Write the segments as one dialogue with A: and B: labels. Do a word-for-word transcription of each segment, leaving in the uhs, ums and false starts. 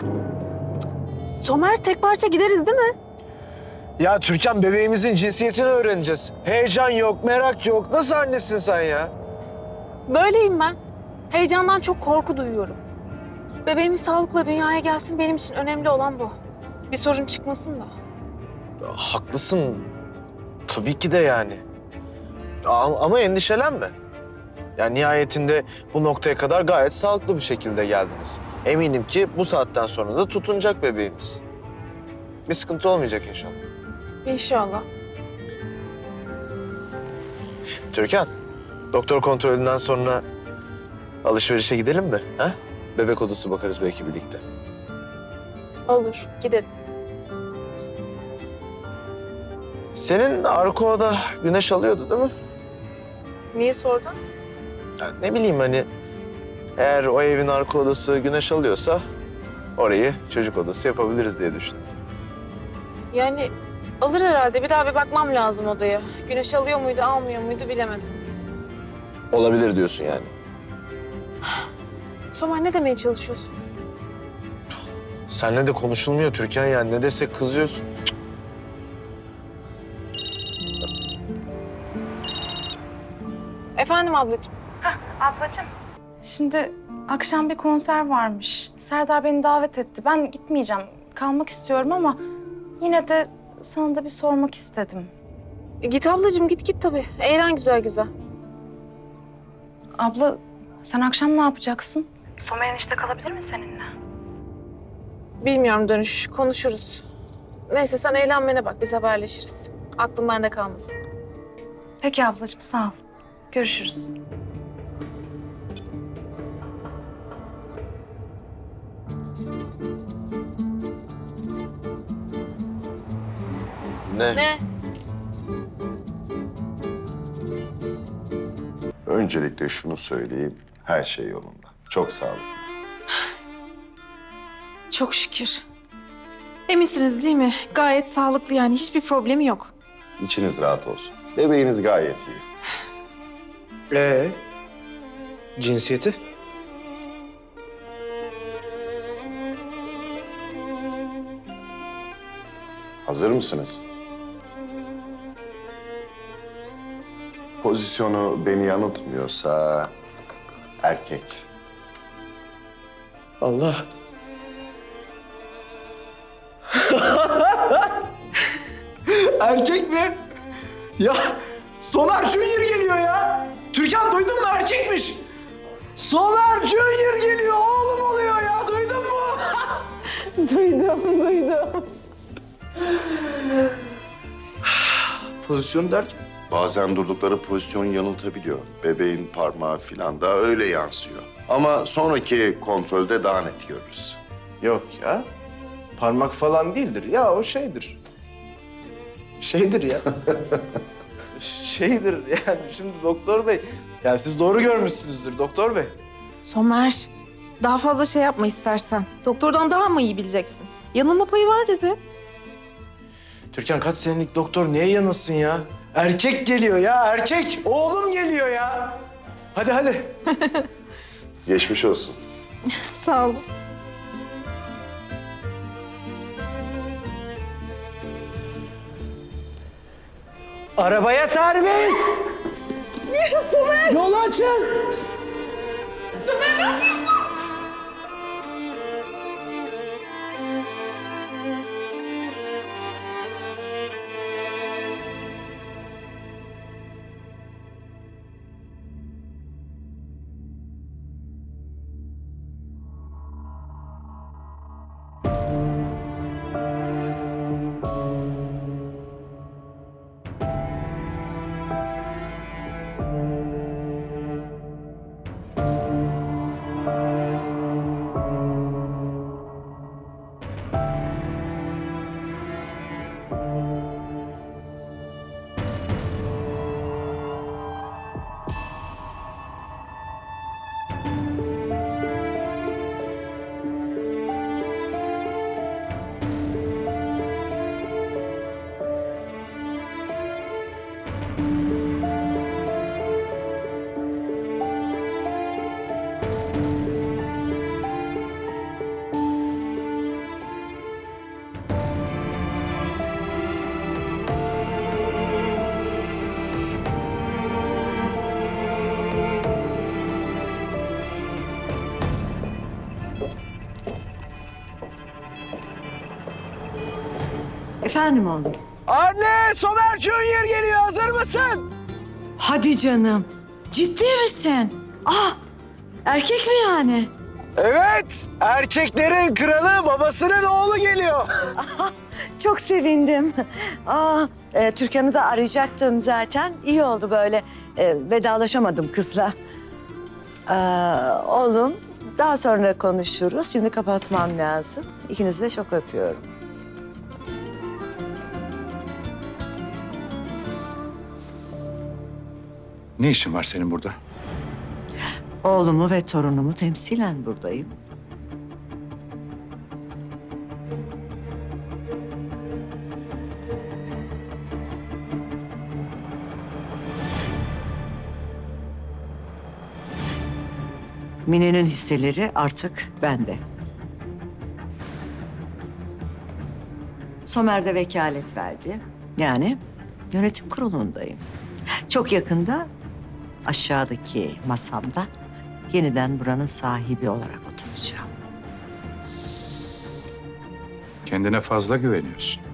A: Somer, tek parça gideriz değil mi?
B: Ya Türkan, bebeğimizin cinsiyetini öğreneceğiz. Heyecan yok, merak yok. Nasıl annesin sen ya?
A: Böyleyim ben. Heyecandan çok korku duyuyorum. Bebeğimiz sağlıkla dünyaya gelsin, benim için önemli olan bu. Bir sorun çıkmasın da.
B: Ya, haklısın. Tabii ki de yani. Ama, ama endişelenme. Yani nihayetinde bu noktaya kadar gayet sağlıklı bir şekilde geldiniz. Eminim ki bu saatten sonra da tutunacak bebeğimiz. Bir sıkıntı olmayacak inşallah.
A: İnşallah.
B: Türkan, doktor kontrolünden sonra alışverişe gidelim mi? Ha? Bebek odası bakarız belki birlikte.
A: Olur, gidelim.
B: Senin arka oda güneş alıyordu değil mi?
A: Niye sordun?
B: Ya ne bileyim hani eğer o evin arka odası güneş alıyorsa orayı çocuk odası yapabiliriz diye düşündüm.
A: Yani alır herhalde. Bir daha bir bakmam lazım odaya. Güneş alıyor muydu, almıyor muydu bilemedim.
B: Olabilir diyorsun yani.
A: Somer, ne demeye çalışıyorsun?
B: Seninle de konuşulmuyor Türkan, yani ne desek kızıyorsun.
A: Efendim ablacığım.
C: Şimdi akşam bir konser varmış. Serdar beni davet etti. Ben gitmeyeceğim. Kalmak istiyorum ama yine de sana da bir sormak istedim.
A: E, git ablacığım, git git tabii. Eğlen güzel güzel.
C: Abla, sen akşam ne yapacaksın? Somer enişte kalabilir mi seninle?
A: Bilmiyorum dönüş, konuşuruz. Neyse sen eğlenmene bak, biz haberleşiriz. Aklım bende kalmasın.
C: Peki ablacığım, sağ ol. Görüşürüz.
B: Ne?
A: Ne?
D: Öncelikle şunu söyleyeyim, her şey yolunda. Çok sağ olun.
E: Çok şükür. Eminsiniz değil mi? Gayet sağlıklı yani. Hiçbir problemi yok.
D: İçiniz rahat olsun. Bebeğiniz gayet iyi.
B: Ee, cinsiyeti?
D: Hazır mısınız? Pozisyonu beni yanıltmıyorsa erkek.
B: Allah. Erkek mi? Ya Somer Junior geliyor ya. Türkan, duydun mu, erkekmiş. Somer Junior geliyor, oğlum oluyor ya, duydun mu?
A: Duydum, duydum.
B: Pozisyon derken?
D: Bazen durdukları pozisyon yanıltabiliyor. Bebeğin parmağı falan da öyle yansıyor. Ama sonraki kontrolde daha net görürüz.
B: Yok ya. Parmak falan değildir. Ya o şeydir. Şeydir ya. şeydir yani. Şimdi doktor bey. Ya siz doğru görmüşsünüzdür doktor bey.
E: Somer, daha fazla şey yapma istersen. Doktordan daha mı iyi bileceksin? Yanılma payı var dedi.
B: Türkan, kaç senelik doktor niye yanılsın ya? Erkek geliyor ya, erkek. Oğlum geliyor ya. Hadi hadi.
D: Geçmiş olsun.
E: Sağ ol.
B: Arabaya servis. Yol açın.
F: Efendim oğlum.
B: Anne, Somer Junior geliyor. Hazır mısın?
F: Hadi canım. Ciddi misin? Ah, erkek mi yani?
B: Evet, erkeklerin kralı babasının oğlu geliyor.
F: Çok sevindim. Aa, e, Türkan'ı da arayacaktım zaten. İyi oldu böyle. E, vedalaşamadım kızla. Aa, oğlum, daha sonra konuşuruz. Şimdi kapatmam lazım. İkinizi de çok öpüyorum.
G: Ne işin var senin burada?
F: Oğlumu ve torunumu temsilen buradayım. Mine'nin hisseleri artık bende. Somer de vekalet verdi. Yani yönetim kurulundayım. Çok yakında aşağıdaki masamda yeniden buranın sahibi olarak oturacağım.
G: Kendine fazla güveniyorsun.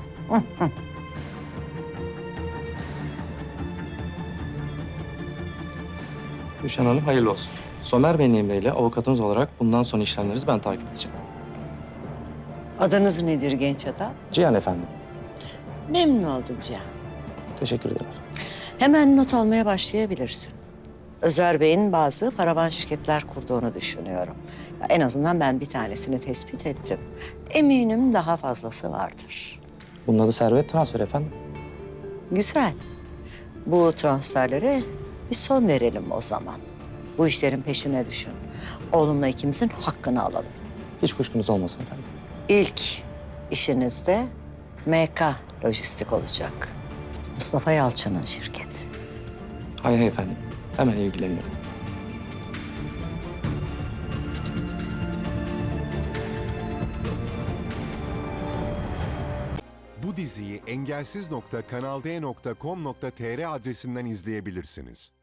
H: Gülşen Hanım hayırlı olsun. Somer Bey'in emriyle avukatınız olarak bundan sonra işlemlerinizi ben takip edeceğim.
F: Adınız nedir genç adam?
H: Cihan efendim.
F: Memnun oldum Cihan.
H: Teşekkür ederim.
F: Hemen not almaya başlayabilirsin. Özer Bey'in bazı paravan şirketler kurduğunu düşünüyorum. Ya en azından ben bir tanesini tespit ettim. Eminim daha fazlası vardır.
H: Bunun adı servet transfer efendim.
F: Güzel. Bu transferlere bir son verelim o zaman. Bu işlerin peşine düşün. Oğlumla ikimizin hakkını alalım.
H: Hiç kuşkunuz olmasın efendim.
F: İlk işinizde M K Lojistik olacak. Mustafa Yalçın'ın şirketi.
H: Hay hay efendim. Hemen ilgileniyorum.
I: Bu diziyi engelsiz nokta kanalde nokta com nokta tr adresinden izleyebilirsiniz.